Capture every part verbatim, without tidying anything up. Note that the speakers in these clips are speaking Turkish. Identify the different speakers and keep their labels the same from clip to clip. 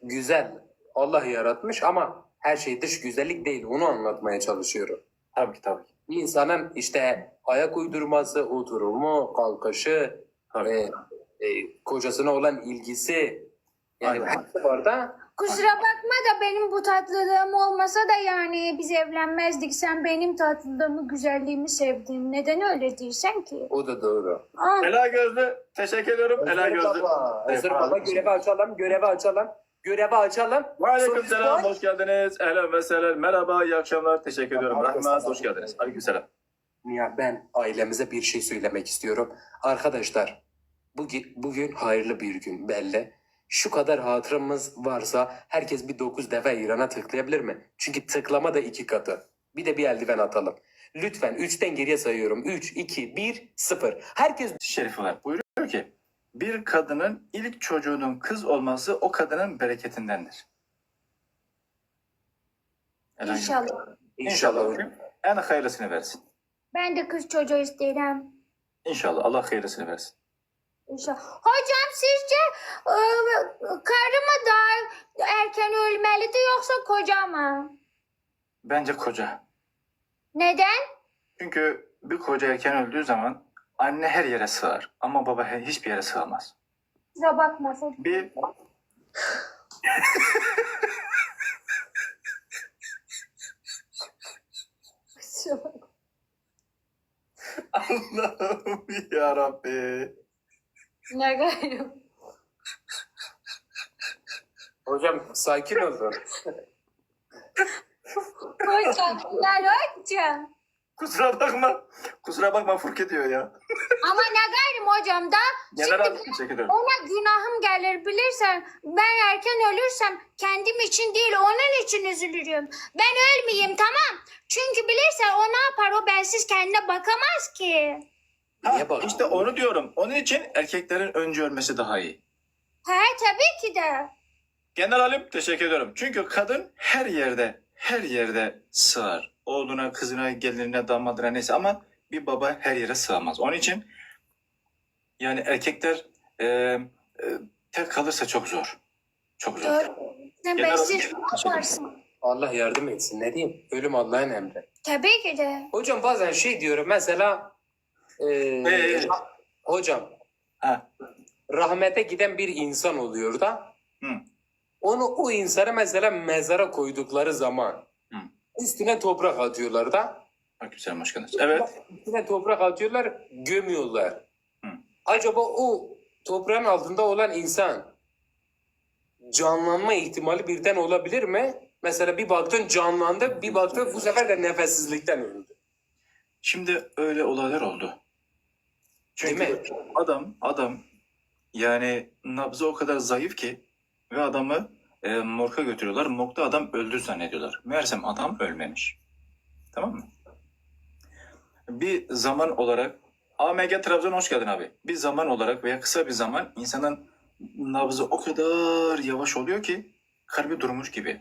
Speaker 1: güzel. Allah yaratmış ama her şey dış güzellik değil. Onu anlatmaya çalışıyorum.
Speaker 2: Tabii ki tabii ki.
Speaker 1: Bir insanın işte ayak uydurması, oturumu, kalkışı,
Speaker 2: Tabii.
Speaker 1: e, e, kocasına olan ilgisi, yani
Speaker 2: Aynen.
Speaker 1: hepsi var da.
Speaker 3: Kusura bakma da benim bu tatlılığım olmasa da yani biz evlenmezdik. Sen benim tatlılığımı, güzelliğimi sevdin. Neden öyle değilsen ki?
Speaker 1: O da doğru.
Speaker 3: Ah,
Speaker 2: Ela Gözlü. Teşekkür ediyorum. Ela
Speaker 1: Özür
Speaker 2: Gözlü.
Speaker 1: baba, Özür
Speaker 2: Evet,
Speaker 1: baba
Speaker 2: abi.
Speaker 1: görevi açalım, görevi açalım, görevi açalım.
Speaker 2: Aleyküm
Speaker 1: Sonuç
Speaker 2: selam.
Speaker 1: var.
Speaker 2: Hoş geldiniz. Ehlen ve sehlen. Merhaba. İyi akşamlar. Teşekkür ediyorum.
Speaker 1: Aleyküm
Speaker 2: Rahmet.
Speaker 1: selam.
Speaker 2: Hoş geldiniz. Aleyküm selam.
Speaker 1: Ya ben ailemize bir şey söylemek istiyorum. Arkadaşlar bugün, bugün hayırlı bir gün belli. Şu kadar hatıramız varsa herkes bir dokuz defa İran'a tıklayabilir mi? Çünkü tıklama da iki katı. Bir de bir eldiven atalım. Lütfen üçten geriye sayıyorum. üç, iki, bir, sıfır. Herkes
Speaker 2: Şerif var. Buyuruyor ki bir kadının ilk çocuğunun kız olması o kadının bereketindendir. Ela Gözlü.
Speaker 3: İnşallah.
Speaker 2: İnşallah hocam. En hayırlısını versin.
Speaker 3: Ben de kız çocuğu isterim.
Speaker 2: İnşallah. Allah hayırlısını versin.
Speaker 3: İnşallah. Hocam sizce e, karı mı daha erken ölmelidir yoksa koca mı?
Speaker 2: Bence koca.
Speaker 3: Neden?
Speaker 2: Çünkü bir koca erken öldüğü zaman anne her yere sığar ama baba he- hiçbir yere sığamaz.
Speaker 3: Kusura bakmasın.
Speaker 2: Bir
Speaker 3: Kusura bakma.
Speaker 2: Allah'ım ya Rabbi.
Speaker 3: Ne gayrı?
Speaker 1: hocam sakin olun.
Speaker 3: Hocam, ne hocam?
Speaker 2: Kusura bakma. Kusura bakma Furke diyor ya.
Speaker 3: Ama ne gayrım hocam da
Speaker 2: Genel
Speaker 3: şimdi
Speaker 2: abi teşekkür ederim.
Speaker 3: ona günahım gelir bilirsen ben erken ölürsem kendim için değil onun için üzülürüm. Ben ölmeyeyim tamam. Çünkü bilirsen o ne yapar o bensiz kendine bakamaz ki.
Speaker 2: Ha,
Speaker 1: Niye bak-
Speaker 2: işte onu diyorum. Onun için erkeklerin önce ölmesi daha iyi.
Speaker 3: He tabii ki de.
Speaker 2: Genel Halim teşekkür ediyorum. Çünkü kadın her yerde, her yerde sığar. Oğluna, kızına, gelinine, damadına neyse ama bir baba her yere sığamaz. Onun için yani erkekler e, e, tek kalırsa çok zor. Çok zor.
Speaker 3: Doğru. Sen
Speaker 2: Genel
Speaker 3: bensiz
Speaker 2: olarak-
Speaker 3: ne yaparsın?
Speaker 1: Allah yardım etsin. Ne diyeyim? Ölüm Allah'ın emri.
Speaker 3: Tabii ki de.
Speaker 1: Hocam bazen şey diyorum mesela e,
Speaker 2: Ee?
Speaker 1: hocam
Speaker 2: Ha.
Speaker 1: rahmete giden bir insan oluyor da
Speaker 2: Hı.
Speaker 1: onu o insanı mesela mezara koydukları zaman
Speaker 2: Hı.
Speaker 1: üstüne toprak atıyorlar da
Speaker 2: Bak güzel hoş geldiniz. Evet.
Speaker 1: üstüne toprak atıyorlar gömüyorlar.
Speaker 2: Hı.
Speaker 1: Acaba o toprağın altında olan insan canlanma ihtimali birden olabilir mi? Mesela bir baktın canlandı, bir baktın bu sefer de nefessizlikten öldü.
Speaker 2: Şimdi öyle olaylar oldu. Çünkü
Speaker 1: Değil mi?
Speaker 2: adam adam yani nabzı o kadar zayıf ki ve adamı e, morga götürüyorlar. Morgda adam öldü zannediyorlar. Meğersem adam ölmemiş. Tamam mı? Bir zaman olarak A M G Trabzon hoş geldin abi. Bir zaman olarak veya kısa bir zaman insanın nabzı o kadar yavaş oluyor ki kalbi durmuş gibi.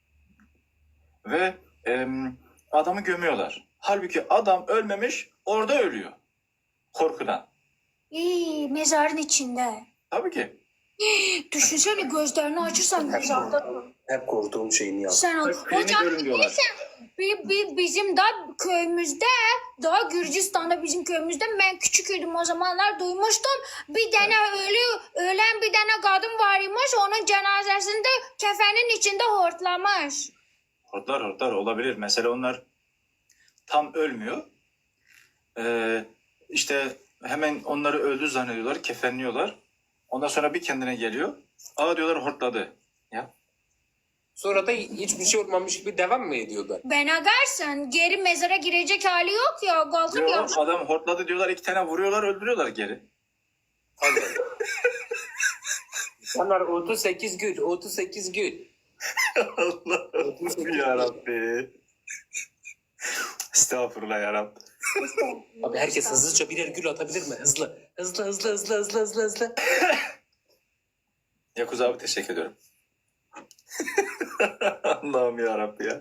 Speaker 2: Ve e, adamı gömüyorlar. Halbuki adam ölmemiş, orada ölüyor. Korkudan.
Speaker 3: İyi mezarın içinde.
Speaker 2: Tabii ki.
Speaker 3: Düşünsene gözlerini açırsan mezarda.
Speaker 1: Hep korktuğum şeyini yaptım.
Speaker 3: Sen ol.
Speaker 2: Bak, klinik
Speaker 3: Hocam
Speaker 2: ölüm diyorlar.
Speaker 3: bi- bi- bizim de köyümüzde daha Gürcistan'da bizim köyümüzde ben küçüküydüm o zamanlar duymuştum. Bir tane ölü ölen bir tane kadın varmış onun cenazesinde kefenin içinde hortlamış.
Speaker 2: Hortlar hortlar olabilir. Mesela onlar tam ölmüyor. Ee, işte hemen onları öldü zannediyorlar, kefenliyorlar. Ondan sonra bir kendine geliyor. Aa diyorlar hortladı. Ya
Speaker 1: Sonra da hiçbir şey olmamış gibi devam mı ediyorlar?
Speaker 3: Ben agarsın geri mezara girecek hali yok ya kalkıp ya.
Speaker 2: diyorlar, adam hortladı diyorlar, iki tane vuruyorlar, öldürüyorlar geri.
Speaker 1: Allah. İnsanlar otuz sekiz gün, otuz sekiz gün.
Speaker 2: Allah'ım yarabbi. Estağfurullah yarabbi.
Speaker 1: Abi herkes hızlıca birer gül atabilir mi? Hızlı. Hızlı hızlı hızlı hızlı hızlı hızlı.
Speaker 2: Yakuz abi teşekkür ediyorum. Allah'ım yarabbi ya.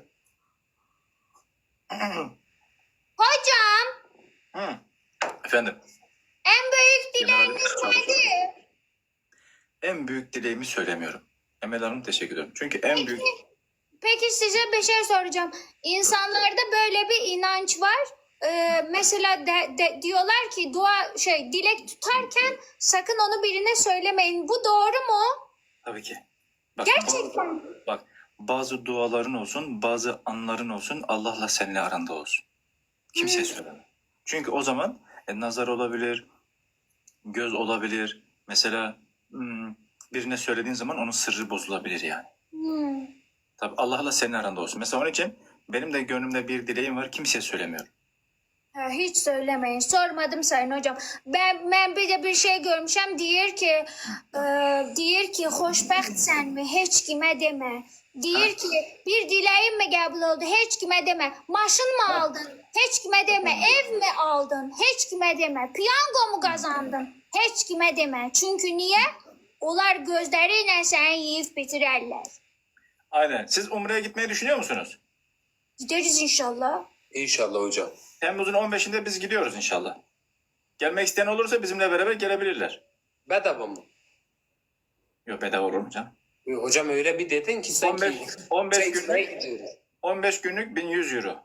Speaker 3: Hocam
Speaker 2: Hı. Efendim.
Speaker 3: en büyük
Speaker 2: Genel
Speaker 3: dileğiniz
Speaker 2: olarak
Speaker 3: nedir?
Speaker 2: En büyük dileğimi söylemiyorum. Emel Hanım teşekkür ederim. Çünkü en büyük...
Speaker 3: Peki size bir şey soracağım. İnsanlarda böyle bir inanç var. Ee, mesela de, de- diyorlar ki dua şey dilek tutarken sakın onu birine söylemeyin. Bu doğru mu?
Speaker 2: Tabii ki. Bak,
Speaker 3: Gerçekten.
Speaker 2: Bazı, bak bazı duaların olsun, bazı anların olsun Allah'la seninle aranda olsun. Kimseye
Speaker 3: Hmm.
Speaker 2: söyleme. Çünkü o zaman e, nazar olabilir, göz olabilir. Mesela hmm, birine söylediğin zaman onun sırrı bozulabilir yani.
Speaker 3: Hmm.
Speaker 2: Tabii Allah'la senin aranda olsun. Mesela onun için benim de gönlümde bir dileğim var. Kimseye söylemiyorum.
Speaker 3: Ha, hiç söylemeyin. Sormadım Sayın Hocam. Ben ben bir de bir şey görmüşüm. Diyor ki e, diyor ki hoşbəxt sen mi? Hiç kime deme. Diyor ki bir dileğim mi kabul oldu? Hiç kime deme. Maşın mı aldın? Hiç kime deme. Ev mi aldın? Hiç kime deme. Piyango mu kazandın? Hiç kime deme. Çünkü niye? Onlar gözleriyle seni yiyip bitirerler.
Speaker 2: Aynen. Siz Umre'ye gitmeyi düşünüyor musunuz?
Speaker 3: Gideriz inşallah.
Speaker 1: İnşallah hocam.
Speaker 2: Temmuz'un on beşinde biz gidiyoruz inşallah. Gelmek isteyen olursa bizimle beraber gelebilirler.
Speaker 1: Bedava mı?
Speaker 2: Yok bedava olur mu canım?
Speaker 1: E, Hocam öyle bir dedin ki sanki...
Speaker 2: on beş, on beş
Speaker 1: Çekmeye
Speaker 2: günlük,
Speaker 1: gidiyoruz.
Speaker 2: on beş günlük bin yüz euro.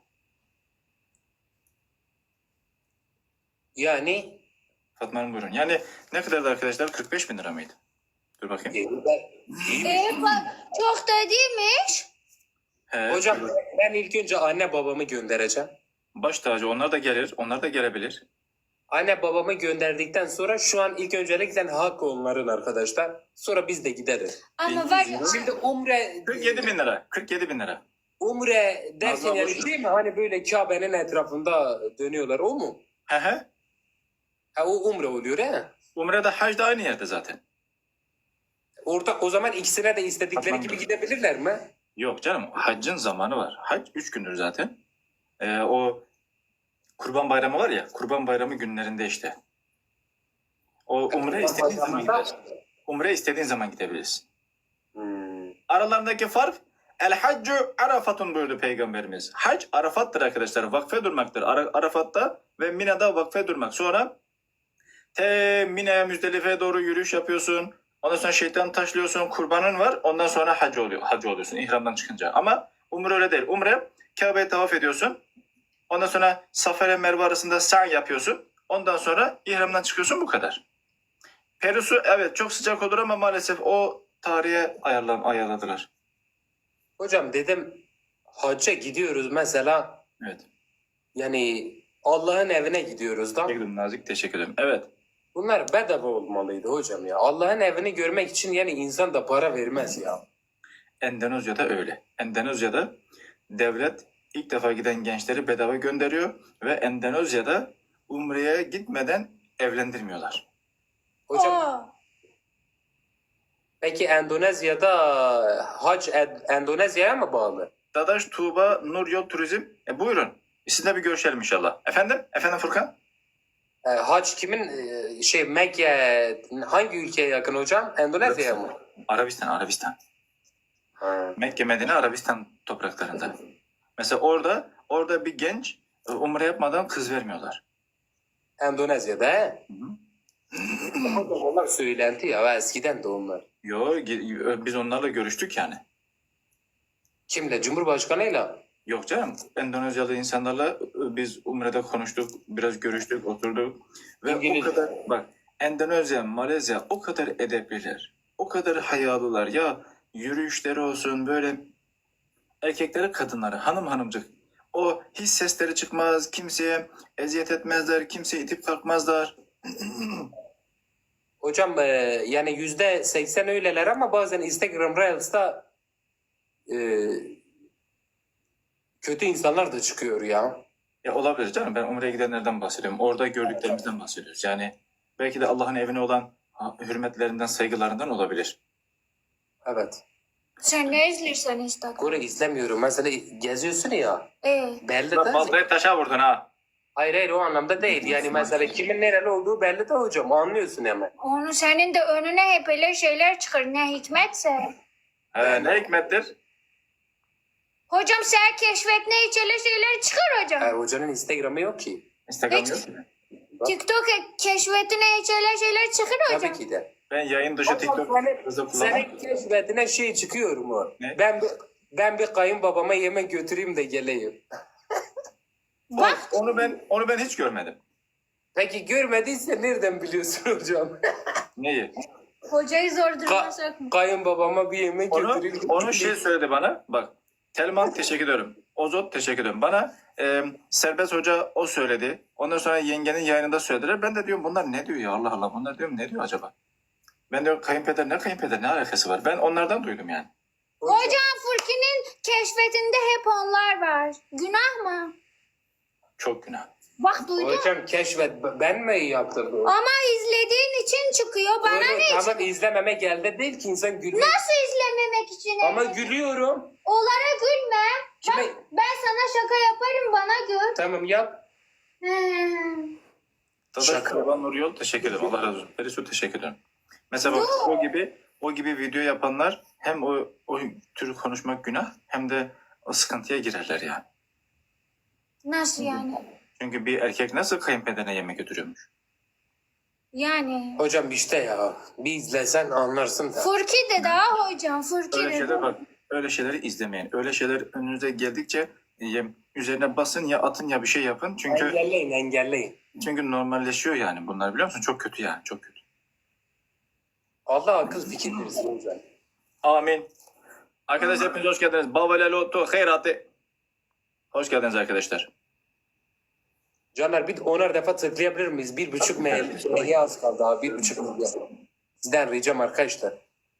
Speaker 1: Yani
Speaker 2: Fatma Hanım buyurun. Yani ne kadardı arkadaşlar? kırk beş bin lira mıydı? Dur bakayım.
Speaker 1: e, ben- iyi mi?
Speaker 3: E, bak, çok da değilmiş.
Speaker 2: He,
Speaker 1: Hocam
Speaker 2: dur.
Speaker 1: ben ilk önce anne babamı göndereceğim.
Speaker 2: Baş tacı onlar da gelir. Onlar da gelebilir.
Speaker 1: Anne babamı gönderdikten sonra şu an ilk öncelikle hak onların arkadaşlar. Sonra biz de gideriz.
Speaker 3: Ama var ya.
Speaker 1: Şimdi umre
Speaker 2: kırk yedi bin lira. kırk yedi bin lira.
Speaker 1: umre derken
Speaker 2: Nazlı
Speaker 1: yani
Speaker 2: boş ver.
Speaker 1: değil mi? Hani böyle Kabe'nin etrafında dönüyorlar o mu?
Speaker 2: He he.
Speaker 1: Ha o umre oluyor he.
Speaker 2: Umre'de hac da aynı yerde zaten.
Speaker 1: Ortak o zaman ikisine de istedikleri
Speaker 2: Tamam.
Speaker 1: gibi gidebilirler mi?
Speaker 2: Yok canım. Haccın zamanı var. Hac üç gündür zaten. Ee, o Kurban Bayramı var ya. Kurban Bayramı günlerinde işte. O Umre istediğin zaman gidersin. Umre istediğin zaman gidebilirsin.
Speaker 1: Hmm.
Speaker 2: Aralarındaki fark El haccu Arafat'un buyurdu Peygamberimiz. Hac Arafat'tır arkadaşlar. Vakfe durmaktır. Ara- Arafat'ta ve Mina'da vakfe durmak. Sonra te Mina'ya Müzdelife'ye doğru yürüyüş yapıyorsun. Ondan sonra şeytan taşlıyorsun. Kurbanın var. Ondan sonra hac oluyor. Hacı oluyorsun ihramdan çıkınca. Ama umre öyle değil. Umre Kabe'ye tavaf ediyorsun. Ondan sonra Safa ile Merve arasında sa'i yapıyorsun. Ondan sonra ihramdan çıkıyorsun. Bu kadar. Perusu evet çok sıcak olur ama maalesef o tarihe ayarlan ayarladılar.
Speaker 1: Hocam dedim hacca gidiyoruz mesela
Speaker 2: Evet.
Speaker 1: yani Allah'ın evine gidiyoruz da.
Speaker 2: Teşekkür ederim Nazik. Teşekkür ederim. Evet.
Speaker 1: Bunlar bedava olmalıydı hocam ya. Allah'ın evini görmek için yani insan da para vermez ya.
Speaker 2: Endonezya'da öyle. Endonezya'da devlet ilk defa giden gençleri bedava gönderiyor ve Endonezya'da Umre'ye gitmeden evlendirmiyorlar.
Speaker 1: Hocam
Speaker 3: Aa,
Speaker 1: peki Endonezya'da hac Ed- Endonezya'ya mı bağlı?
Speaker 2: Dadaş Tuğba Nur Yol Turizm. E, buyurun. Sizinle bir görüşelim inşallah. Efendim? Efendim Furkan?
Speaker 1: E, hac kimin e, şey Mekke hangi ülkeye yakın hocam? Endonezya'ya mı?
Speaker 2: Arabistan, Arabistan.
Speaker 1: Ha.
Speaker 2: Mekke, Medine, Arabistan topraklarında. Mesela orada orada bir genç e, Umre yapmadan kız vermiyorlar.
Speaker 1: Endonezya'da he?
Speaker 2: Hı hı.
Speaker 1: Hocam onlar söylenti ya eskiden de onlar.
Speaker 2: Yo, gi- biz onlarla görüştük yani.
Speaker 1: Kimle? Cumhurbaşkanıyla.
Speaker 2: Yok canım. Endonezyalı insanlarla e, biz Umre'de konuştuk, biraz görüştük, oturduk. Ve
Speaker 1: İngilizce.
Speaker 2: o kadar bak Endonezya, Malezya o kadar edepliler. O kadar hayalılar. Ya yürüyüşleri olsun böyle erkekleri kadınları hanım hanımcık. O hiç sesleri çıkmaz, kimseye eziyet etmezler, kimseye itip kalkmazlar.
Speaker 1: Hocam e, yani yüzde seksen öyleler ama bazen Instagram Reels'ta e, kötü insanlar da çıkıyor ya.
Speaker 2: Ya olabilir canım. Ben Umre'ye gidenlerden bahsediyorum. Orada gördüklerimizden bahsediyoruz. Yani belki de Allah'ın evine olan ha, hürmetlerinden, saygılarından olabilir.
Speaker 1: Evet.
Speaker 3: sen ne izliyorsun Instagram?
Speaker 1: Kore izlemiyorum. Mesela geziyorsun ya.
Speaker 3: Ee,
Speaker 1: Belli de.
Speaker 2: Vallahi taşa vurdun ha.
Speaker 1: Hayır hayır o anlamda değil. Yani mesela kimin nereli olduğu belli de hocam. Anlıyorsun hemen.
Speaker 3: onu senin de önüne hep öyle şeyler çıkar. Ne hikmetse.
Speaker 2: He, ne hikmettir?
Speaker 3: Hocam sen keşfetine hiç öyle şeyler çıkar hocam.
Speaker 1: E, hocanın Instagram'ı yok ki.
Speaker 2: Instagram
Speaker 3: Hiç-
Speaker 2: yok mu?
Speaker 1: Bak,
Speaker 3: TikTok keşfetine hiç öyle şeyler çıkar hocam.
Speaker 1: tabii ki de.
Speaker 2: Ben yayın dışı TikTok
Speaker 1: Senin,
Speaker 2: hızı kullanmam.
Speaker 1: senin keşfetine şey çıkıyor mu?
Speaker 2: Ne?
Speaker 1: Ben bir, ben bir kayınbabama yemek götüreyim de geleyim.
Speaker 3: Bak
Speaker 2: Onu ben onu ben hiç görmedim.
Speaker 1: Peki görmediyse nereden biliyorsun hocam?
Speaker 2: Neyi?
Speaker 3: hocayı zor duruma
Speaker 1: Ka-
Speaker 3: sokma.
Speaker 1: kayınbabama bir yemek
Speaker 2: Onu,
Speaker 1: götüreyim.
Speaker 2: onu şey söyledi bana. Bak. Telman teşekkür ederim. Ozot teşekkür ederim. Bana e, Serbest Hoca o söyledi. Ondan sonra yengenin yayınında söylediler. Ben de diyorum bunlar ne diyor ya Allah Allah. Bunlar diyorum ne diyor acaba? Ben diyorum kayınpeder ne kayınpeder ne alakası var? Ben onlardan duydum yani.
Speaker 3: Hocam Furki'nin keşfetinde hep onlar var. Günah mı?
Speaker 2: Çok günah.
Speaker 3: Bak duydun.
Speaker 1: Hocam keşfet ben mi yaptırdım?
Speaker 3: Ama izlediğin için çıkıyor. Bana
Speaker 1: Doğru,
Speaker 3: ne?
Speaker 1: tamam izlememe geldi değil ki insan gülüyor.
Speaker 3: Nasıl izlememek için?
Speaker 1: Ama
Speaker 3: evet?
Speaker 1: gülüyorum.
Speaker 3: Onlara gülme.
Speaker 1: Kime?
Speaker 3: Bak, ben sana şaka yaparım bana gül.
Speaker 1: Tamam yap.
Speaker 3: Hmm.
Speaker 2: Dadaş
Speaker 1: Şaka.
Speaker 2: Kurban Nur Yol teşekkür ederim. Allah razı olsun. Perisu teşekkür ederim. Mesela bak o gibi o gibi video yapanlar hem o, o tür konuşmak günah hem de o sıkıntıya girerler yani.
Speaker 3: Nasıl yani?
Speaker 2: Çünkü bir erkek nasıl kayınpederine yemek götürüyormuş?
Speaker 3: Yani.
Speaker 1: Hocam işte ya bir izlesen anlarsın da.
Speaker 3: Furki de daha hocam. Furki
Speaker 2: Öyle
Speaker 3: de
Speaker 2: şeyler
Speaker 3: daha.
Speaker 2: bak. Öyle şeyleri izlemeyin. Öyle şeyler önünüze geldikçe e, üzerine basın ya atın ya bir şey yapın. Çünkü
Speaker 1: Engelleyin engelleyin.
Speaker 2: çünkü normalleşiyor yani bunlar biliyor musun? Çok kötü yani çok kötü.
Speaker 1: Allah akıl fikir versin hocam.
Speaker 2: Amin. Arkadaşlar hepiniz hoş geldiniz. Bavelel otu hayratı. Hoş geldiniz arkadaşlar.
Speaker 1: Caner bir onar defa tıklayabilir miyiz? Bir buçuk meya az kaldı abi. Bir buçuk meya. Sizden ricam arkadaşlar.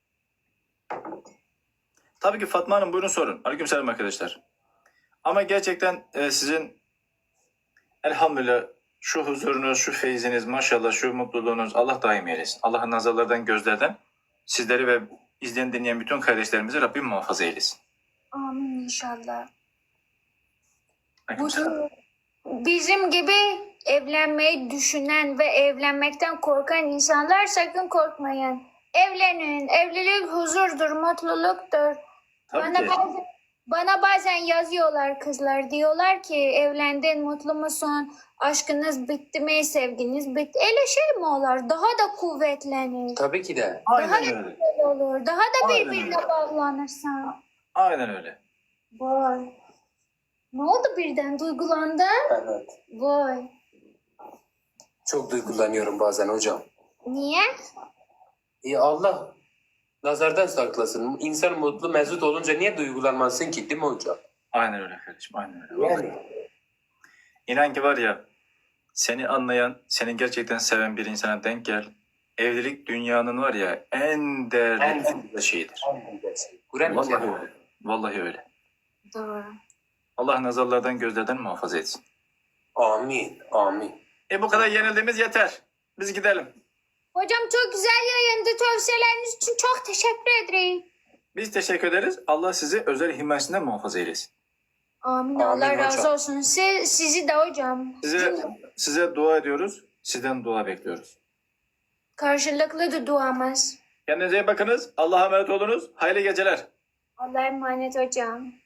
Speaker 2: Tabii ki Fatma Hanım buyurun sorun. Aleykümselam arkadaşlar. Ama gerçekten e, sizin elhamdülillah şu huzurunuz, şu feyziniz, maşallah şu mutluluğunuz Allah daim eylesin. Allah'ın nazarlardan, gözlerden sizleri ve izleyen dinleyen bütün kardeşlerimizi Rabbim muhafaza eylesin.
Speaker 3: Amin inşallah.
Speaker 2: Aleykümselam.
Speaker 3: Bizim gibi evlenmeyi düşünen ve evlenmekten korkan insanlar sakın korkmayın. Evlenin. Evlilik huzurdur, mutluluktur.
Speaker 2: Tabii
Speaker 3: Bana
Speaker 2: ki.
Speaker 3: bazen, bana bazen yazıyorlar kızlar. Diyorlar ki evlendin, mutlu musun? Aşkınız bitti mi? Sevginiz bitti. Öyle şey mi olur? Daha da kuvvetlenir.
Speaker 1: Tabii ki de.
Speaker 3: Daha
Speaker 2: Aynen
Speaker 3: da
Speaker 2: öyle.
Speaker 3: güzel olur. Daha da
Speaker 2: Aynen
Speaker 3: birbirine
Speaker 2: öyle.
Speaker 3: bağlanırsan.
Speaker 2: Aynen öyle.
Speaker 3: Vay. Ne oldu birden? Duygulandın?
Speaker 1: Evet.
Speaker 3: Vay.
Speaker 1: Çok duygulanıyorum bazen hocam.
Speaker 3: Niye?
Speaker 1: Ya Allah nazardan saklasın. İnsan mutlu mesut olunca niye duygulanmasın ki değil mi hocam?
Speaker 2: Aynen öyle kardeşim. Aynen öyle. Vallahi.
Speaker 1: Yani.
Speaker 2: İnan ki var ya seni anlayan, seni gerçekten seven bir insana denk gel. Evlilik dünyanın var ya en değerli
Speaker 1: En-
Speaker 2: en güzel şeyidir.
Speaker 1: Kur'an-ı
Speaker 2: Vallahi
Speaker 1: Kerim.
Speaker 2: öyle. Vallahi öyle.
Speaker 3: Doğru.
Speaker 2: Allah nazarlardan gözlerden muhafaza etsin.
Speaker 1: Amin. Amin.
Speaker 2: E bu kadar yenildiğimiz yeter. Biz gidelim.
Speaker 3: Hocam çok güzel yayındı. Tavsiyeleriniz için çok teşekkür ederim.
Speaker 2: Biz teşekkür ederiz. Allah sizi özel himayesinden muhafaza eylesin.
Speaker 3: Amin.
Speaker 1: Amin
Speaker 3: Allah razı
Speaker 1: hocam.
Speaker 3: olsun. Siz, sizi de hocam.
Speaker 2: Size size dua ediyoruz. Sizden dua bekliyoruz.
Speaker 3: Karşılıklı da duamız.
Speaker 2: Kendinize iyi bakınız. Allah'a emanet olunuz. Hayırlı geceler.
Speaker 3: Allah'a emanet hocam.